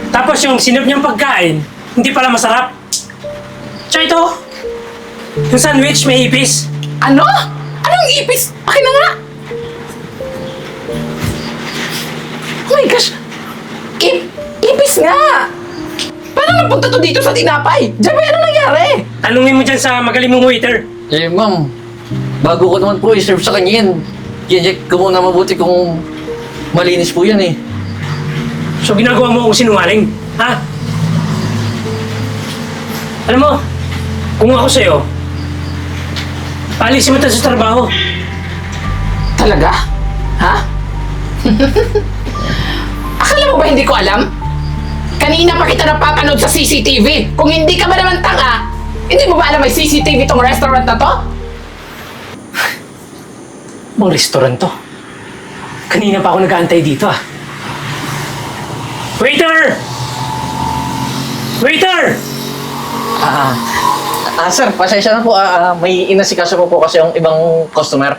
Tapos yung sinip niyang pagkain, hindi pala masarap. Tsaka ito, yung sandwich may ipis. Ano? Anong ipis? Akin na nga! Oh my gosh! Ipis nga! Paano napunta to dito sa tinapay? Diyan, ano nangyari? Tanungin mo dyan sa magaling mong waiter. Eh, ma'am, bago ko naman po i-serve sa kanya yan, i-check ko muna mabuti kung malinis po yan eh. So ginagawa mo akong sinungaling, ha? Alam mo, kung ako sa'yo, paalisin mo tayo sa trabaho. Talaga? Ha? Akala mo ba hindi ko alam? Kanina pa kita napapanood sa CCTV. Kung hindi ka ba naman tanga, hindi mo ba alam may CCTV tong restaurant na to? Bang restaurant to? Kanina pa ako nag-aantay dito, ah. Waiter! Waiter! Sir, pasensya na po. May inasikaso po po kasi yung ibang customer.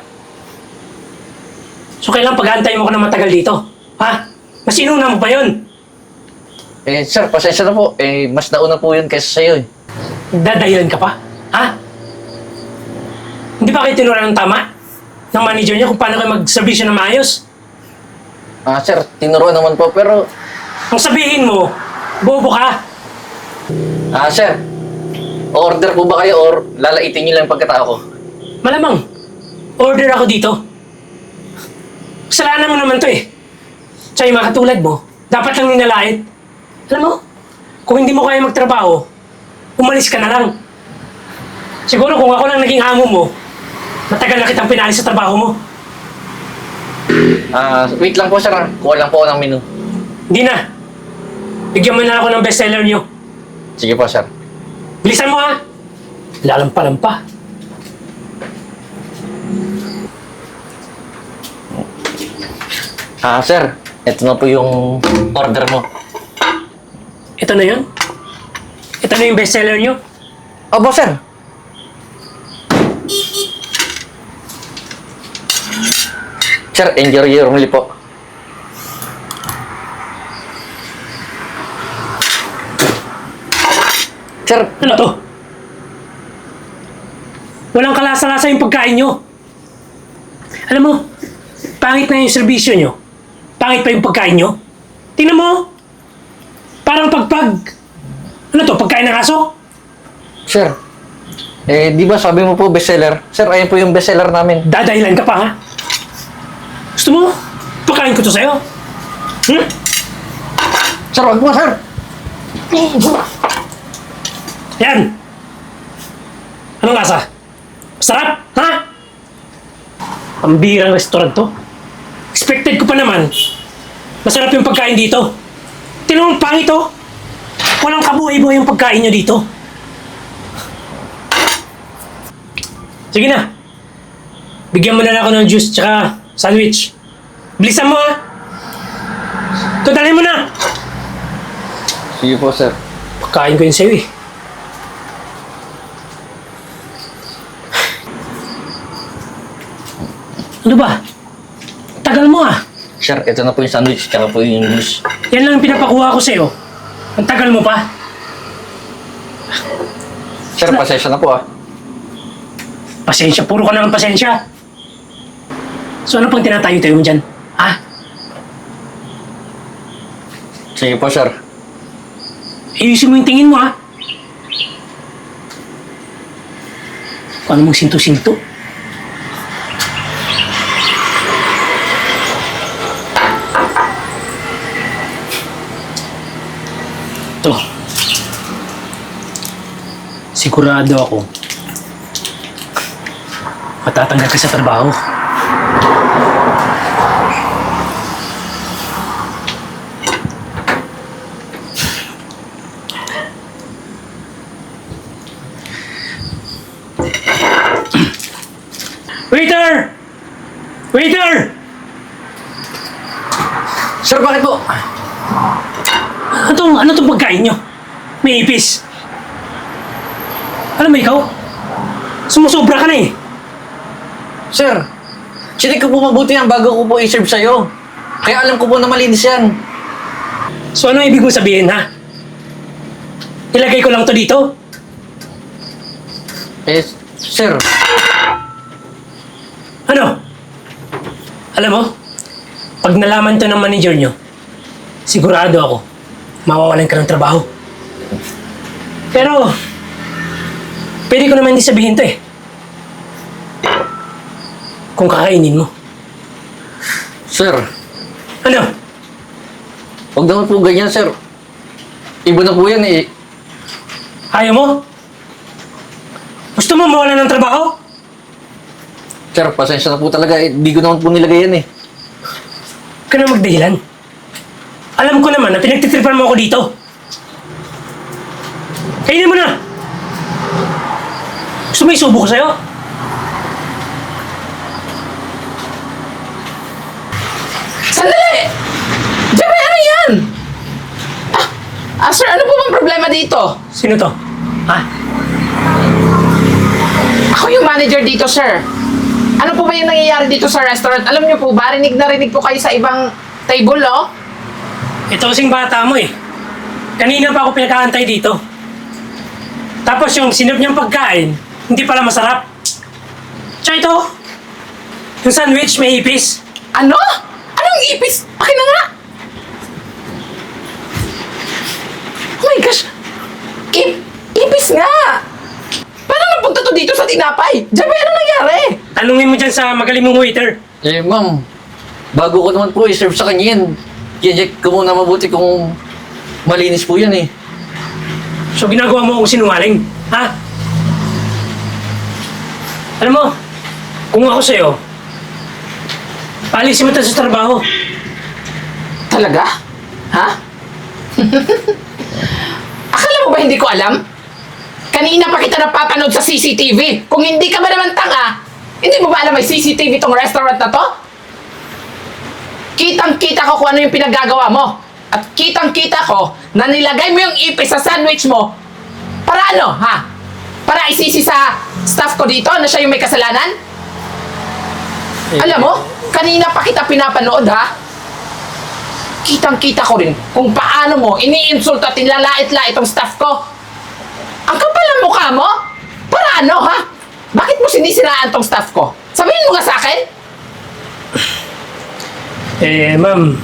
So kailan pag-aantay mo ko na matagal dito? Ha? Mas inuna mo ba yun? Eh, sir, pasensya na po. Eh, mas nauna po yun kaysa sa'yo eh. Dadahilan ka pa? Ha? Hindi ba kayo tinuruan ng tama? Ng manager niya kung paano kayo mag-servisyo ng maayos? Sir, tinuruan naman po pero... Ang sabihin mo, bobo ka. Sir, order po ba kayo or lalaitin niyo lang yung pagkatao ko? Malamang, order ako dito. Kasalanan mo naman to eh. Tsaka yung mga katulad mo, dapat lang ninalait. Alam mo, kung hindi mo kaya magtrabaho, umalis ka na lang. Siguro kung ako lang naging amo mo, matagal na kitang pinalis sa trabaho mo. Wait lang po sir, kuha lang po ako ng menu. Hindi na. Bigyan mo na ako ng bestseller niyo. Sige po sir. Bilisan mo ha! Lalampa-lampa. Sir, ito na po yung order mo. Ito na yun? Ito na yung bestseller niyo? Opo sir. Sir, enjoy your meal po. Sir, Ano to? Walang kalasa-lasa yung pagkain nyo. Alam mo, pangit na yung serbisyo nyo. Pangit pa yung pagkain nyo. Tingnan mo. Parang pagpag. Ano to, pagkain ng aso? sir. Di ba sabi mo po bestseller? Sir, ayun po yung bestseller namin. Dadahilan ka pa ha? Gusto mo? Pagkain ko to sa'yo. Hmm? Sir, wag mo sir. Yan. Anong lasa? Masarap, ha? Pambirang restaurant to. Expected ko pa naman. Masarap yung pagkain dito. Tinong pangit to. Walang kabuhay-buhay yung pagkain nyo dito. Sige na. Bigyan mo na lang ako ng juice tsaka sandwich. Bilisan mo ha. Tudalhin mo na. Sige po sir. Pagkain ko yun sa'yo eh. Ano ba? Tagal mo ah. Sir, ito na po yung sandwich, tsaka po yung juice. Yan lang ang pinapakuha ko sa'yo. Ang tagal mo pa. Sir, pasensya na po Pasensya, puro ka naman pasensya. So ano pang tinatayo-tayo mo dyan? Ha? Sige po sir. Ayusin mo yung tingin mo ha. Paano mong sinto-sinto? Ito. Sigurado ako matatanggal ka sa trabaho. Waiter! Waiter! Sir, bakit po? Ano tong pagkain nyo? May ipis. Alam mo ikaw? Sumusobra ka na eh. Sir, chinik ko po mabuti yan bago ko po i-serve sa'yo. Kaya alam ko po na malinis yan. So ano ibig mo sabihin, ha? Ilagay ko lang to dito? Eh, sir, Ano? Alam mo, pag nalaman to ng manager nyo, sigurado ako, mawawalan ka ng trabaho. Pero, pwede ko naman hindi sabihin to eh. Kung kakainin mo. sir, Ano? huwag naman po ganyan, sir. Iba na po yan eh. Ayaw mo? Gusto mo mawalan ng trabaho? Sir, pasensya na po talaga eh. Di ko naman po nilagay yan eh. Huwag ka na magdahilan. Alam ko naman na pinagtitripan mo ako dito. Kainin mo na! Gusto mo isubo ko sa'yo? Sandali! Jerry, ano yan? Sir, ano po bang problema dito? Sino to? Ha? Ako yung manager dito, sir. Ano po ba yung nangyayari dito sa restaurant? Alam niyo po ba, rinig na rinig po kayo sa ibang table, oh? Ito kasing bata mo eh. Kanina pa ako pinakaantay dito. Tapos yung sinip niyang pagkain, hindi pala masarap. Tsaka ito, yung sandwich may ipis. Ano? Anong ipis? Akin na nga! Oh my gosh! Ipis nga! Paano napunta to dito sa tinapay? Jerry, ano nangyari? Tanungin mo dyan sa magaling mong waiter. Eh, ma'am, bago ko naman po i-serve sa kanya yan. Check ko muna mabuti kung malinis po yan eh. So ginagawa mo akong sinungaling, ha? Alam mo, kung ako sa'yo, paalisin mo tayo sa trabaho. Talaga? Ha? Akala mo ba hindi ko alam? Kanina pa kita napapanood sa CCTV. Kung hindi ka ba naman tanga, hindi mo ba alam may CCTV tong restaurant na to? Kitang-kita ko kung ano yung pinaggagawa mo. At kitang-kita ko na nilagay mo yung ipis sa sandwich mo. Para ano, ha? Para isisi sa staff ko dito na siya yung may kasalanan? Alam mo, kanina pa kita pinapanood, ha? Kitang-kita ko rin kung paano mo iniinsulto at nilalait-lait itong staff ko. Ang kapal ng mukha mo? Para ano, ha? Bakit mo sinisiraan tong staff ko? Sabihin mo nga sa akin? Ma'am.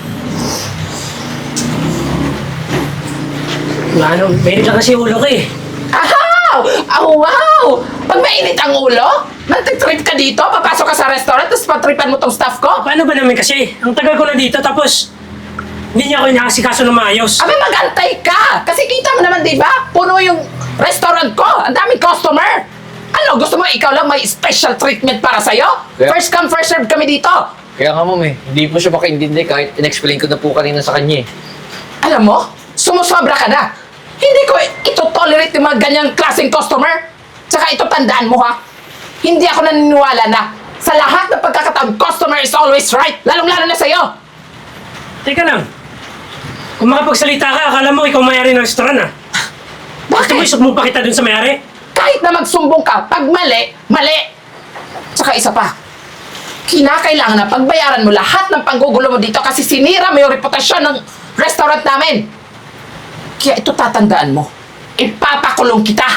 Ano, mainit lang kasi ulo ko eh. Ahaw! Oh, wow! Pag mainit ang ulo, nag-trip ka dito, papasok ka sa restaurant, tapos patripan mo tong staff ko? Paano ba namin kasi? Ang tagal ko na dito tapos hindi niya ako inakasikaso ng maayos. Abi, mag-antay ka! Kasi kita mo naman, di ba? Puno yung restaurant ko. Ang daming customer. Ano, gusto mo ikaw lang may special treatment para sa'yo? Yeah. First come, first serve kami dito. Kaya nga ma'am eh, hindi po siya makaintindi kahit in-explain ko na po kanina sa kanya eh. Alam mo, sumusobra ka na. Hindi ko ito tolerate yung mga ganyang klaseng customer. Tsaka ito tandaan mo ha. Hindi ako naniniwala na sa lahat ng pagkakataon, customer is always right. Lalong-lalo na sa'yo. Teka lang. Kung makapagsalita ka, akala mo ikaw may-ari ng restaurant ah. Gusto mo Bakit? isugmo pa kita dun sa may-ari? Kahit na magsumbong ka, pag mali, mali. Tsaka isa pa, kinakailangan na pagbayaran mo lahat ng panggugulo mo dito kasi sinira mo yung reputasyon ng restaurant namin. Kaya ito tatandaan mo. Ipapakulong kita.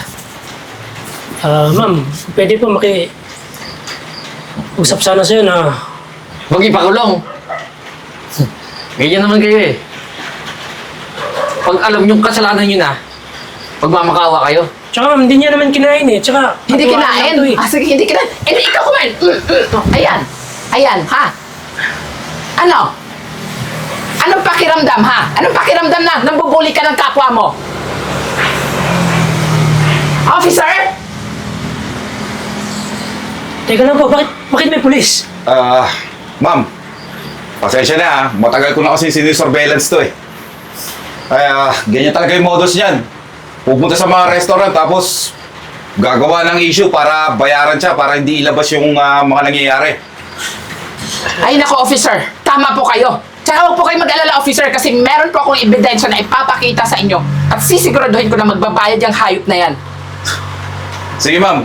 Ma'am, pwede po usap sana sa'yo na Huwag ipakulong! Ganyan naman kayo eh. Pag alam yung kasalanan nyo na, magmamakaawa kayo. tsaka ma'am, hindi niya naman kinain eh. Tsaka, Hindi patuwaan kinain. lang to eh. Sige, hindi kinain. Hindi, ikaw kumain. Ayan. Ayan, ha? Ano? Anong pakiramdam, ha? Anong pakiramdam na nambubuli ka ng kapwa mo? Officer? Teka lang po, bakit may pulis? Ma'am, pasensya na ha. Matagal ko na kasi sinisurveillance to eh. Ganyan talaga yung modus niyan. Pupunta sa mga restaurant tapos gagawa ng issue para bayaran siya para hindi ilabas yung mga nangyayari. Ay, nako, officer. Tama po kayo. Tsaka huwag po kayo mag-alala, officer, kasi meron po akong ebidensya na ipapakita sa inyo. At sisiguraduhin ko na magbabayad yung hayop na yan. Sige ma'am,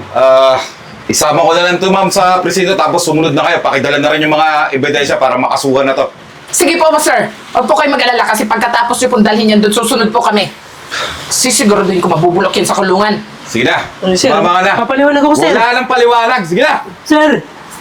isama ko na lang to ma'am sa presinto tapos sumunod na kayo. Pakidala na rin yung mga ebidensya para makasuhan na to. Sige po, sir. Huwag po kayo mag-alala kasi pagkatapos nyo pong dalhin yan doon, susunod po kami. Sisiguraduhin ko mabubulok yan sa kulungan. Sige na. Sir, Mama ka na. papaliwanag ako, sir. Wala nang paliwanag. Sige na. Sir!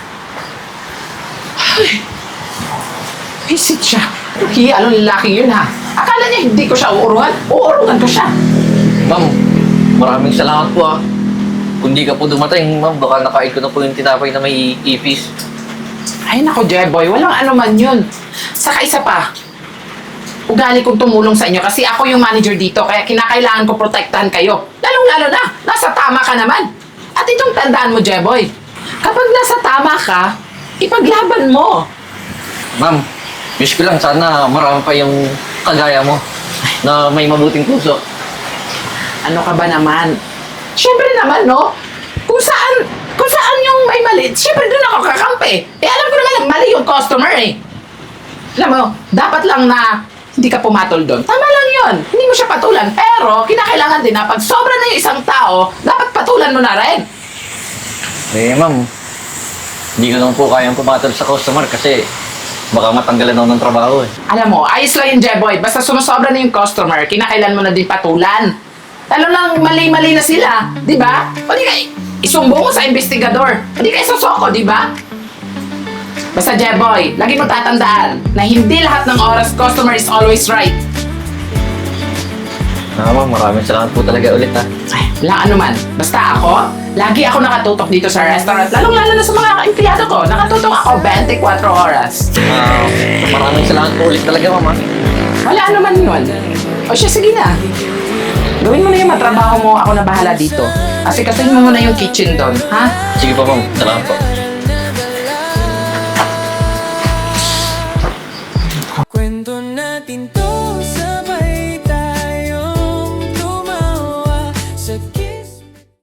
Visit siya. Hiyalong lalaki yun, ha? Akala niya hindi ko siya uurungan? Uurungan ko siya. Ma'am, maraming salamat po ah. Kung di ka po dumating, ma'am, baka nakain ko na po yung tinapay na may ipis. Ay, nako, Jeboy. Walang ano man yun. Saka isa pa. Ugali kong tumulong sa inyo kasi ako yung manager dito kaya kinakailangan ko protektahan kayo. Lalong-lalo na, nasa tama ka naman. At itong tandaan mo, Jeboy. Kapag nasa tama ka, ipaglaban mo. Ma'am, wish ko lang sana marami pa yung kagaya mo na may mabuting puso. Ano ka ba naman? Siyempre naman, no? Kung saan yung may mali, siyempre doon ako kakampi. Eh, alam ko naman na mali yung customer eh. Alam mo, dapat lang na hindi ka pumatol doon. Tama lang yun. Hindi mo siya patulan. Pero, kinakailangan din na pag sobra na yung isang tao, dapat patulan mo na rin. Eh, ma'am, hindi ko lang po kayang pumatol sa customer kasi baka matanggalan ako ng trabaho eh. Alam mo, ayos lang yung Jeboy. Basta sumusobra na yung customer, kinakailan mo na din patulan. Lalo lang mali-mali na sila, di ba? O di ka, isumbong mo sa investigador. O di ka isosoko, di ba? Basta Jeboy, lagi mo tatandaan na hindi lahat ng oras customer is always right. Ma'am, maraming salamat po talaga ulit ha. Ay, wala ano man. Basta ako, lagi ako nakatutok dito sa restaurant. Lalong-lalo na sa mga empleyado ko. Nakatutok ako 24 oras. Maraming salamat po ulit talaga, ma'am ha. Wala ano man yun. O siya, sige na. Gawin mo na yung matrabaho mo, ako na bahala dito. Kasi kasuhin mo muna yung kitchen doon, ha? Sige po, ma'am. Salamat po.